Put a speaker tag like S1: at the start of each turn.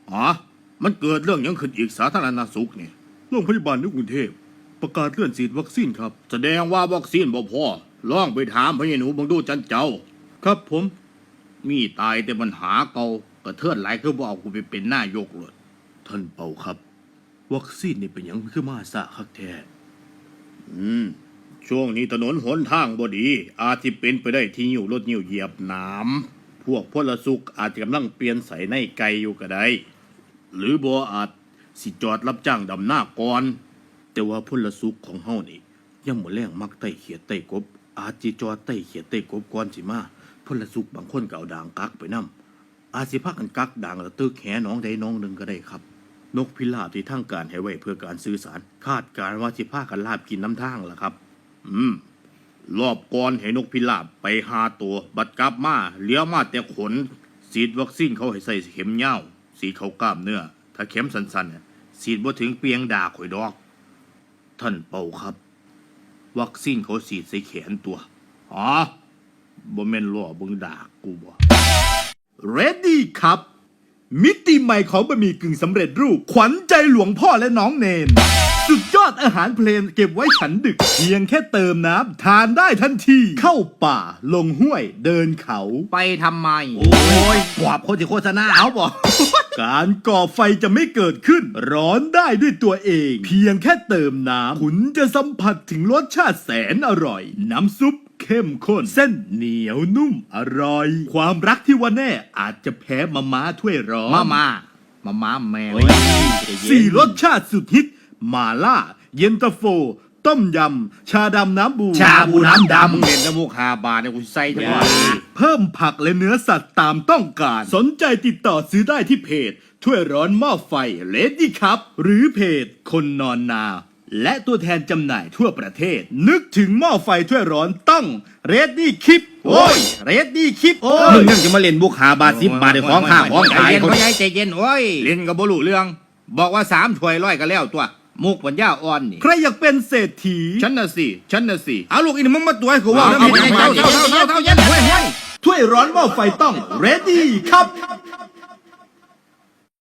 S1: อ๋อมันเกิดเรื่องยังขึ้นอีกสาธารณสุขเนี่ยโรงพยาบาลในกรุงเทพประกาศเลื่อนฉีดวัคซีนครับแสดงว่าวัคซีนบ่พอลองไปถามพญาหนูบังดูจันเจ้าครับผมมีตายแต่ปัญหาเก่ากระเทือนหลายคือบ่เอากูไปเป็นนายกเลยท่านเป่าครับวัคซีนนี่เป็นหยังคือมาซะคักแท้ช่วงนี้ถนนหนทางบ่ดีอาจสิเป็นไปได้ที่หิ้วรถหิ้วเหยียบน้ำพวกพลสุขอาจจะกำลังเปลี่ยนใส่ในไกอยู่ก็ได้หรือบ่อาจสิจอดรับจ้างดำหน้าก่อนแต่ว่าพลสุขของเฮานี่ยังบ่แรงมักไต่เขียดไต่กบอาจสิจอดไต่เขียดไต่กบก่อนสิมาพลสุขบางคนก็เอาด่างกักไปนำอาจสิพากันกักด่างแล้วตึกแหน้องใดน้องหนึ่งก็ได้ครับนกพิราบที่ทางการให้ไว้เพื่อการสื่อสารคาดการณ์ว่าสิพากันลาบกินน้ำทางล่ะครับรอบก่อนให้นกพิราบไป5 ตัวบัดกลับมาเหลือมาแต่ขนฉีดวัคซีนเขาให้ใส่เข็มยาวสีเขากล้ามเนื้อถ้าเข็มสั้นๆเนี่ยฉีดบ่ถึงเปียงดาข่อยดอกท่านเป่าครับวัคซีนเขาฉีดใส่แขนตัวอ๋อบ่แม่นล้อเบิ่งดากูบ่
S2: Ready ครับมิติใหม่ของบะหมี่กึ่งสำเร็จรูปขวัญใจหลวงพ่อและน้องเนนสุดยอดอาหารเพลนเก็บไว้ฉันดึกเพียงแค่เติมน้ำทานได้ทันทีเข้าป่าลงห้วยเดินเขา
S3: ไปทำไม
S1: โอ้ยกว่าคนที่โฆษณาเอาบ่
S2: การก่อไฟจะไม่เกิดขึ้น ร้อนได้ด้วยตัวเอง เพียงแค่เติมน้ำคุณจะสัมผัสถึงรสชาติแสนอร่อย น้ำซุปเข้มข้นเส้นเหนียวนุ่มอร่อย ความรักที่ว่าแน่อาจจะแพ้มาม่าถ้วยร้อน
S3: มาแมว
S2: สี่รสชาติสุดฮิตมาล่า เย็นตาโฟ ต้มยำ ชาดำน้ำบู
S3: ชาบูน้ำดำ
S1: มึงเล่นน้ำมูก5 บาทเนี่ยกูใส่ทั้งวัน
S2: เพิ่มผักและเนื้อสัตว์ตามต้องการ สนใจติดต่อซื้อได้ที่เพจ ถ้วยร้อนหม้อไฟเลดี้ครับ หรือเพจคนนอนนา และตัวแทนจำหน่ายทั่วประเทศ นึกถึงหม้อไฟถ้วยร้อนต้องเรดดี้คิปโอ้ยเรดดี้คิปโอ้
S1: มึ
S2: ย
S1: งยังจะมาเล่นบุก5 บาท10 บาทในของข้าของ
S3: ใจ
S1: ขาย
S3: เย็น
S1: เขา
S3: พ่อใหญ่ใจเย็นโอ้ย
S1: เล่นกับบ่รู้เรื่อง บอกว่า3 ถ้วยร้อยก็แล้วตัวมุกปัญญาอ่อนนี่
S2: ใครอยากเป็นเศรษฐี
S1: ฉันน่ะสิเอาลูกอีนี่มึงมาตัวให้กูว่า
S3: เอา
S1: แล้ว
S3: เอา
S1: มี
S3: เอา
S1: เจ้า
S3: เอาเอาเอาเอา
S2: ถ้วยร้อนหม้อไฟต้องเรดดี้ครับ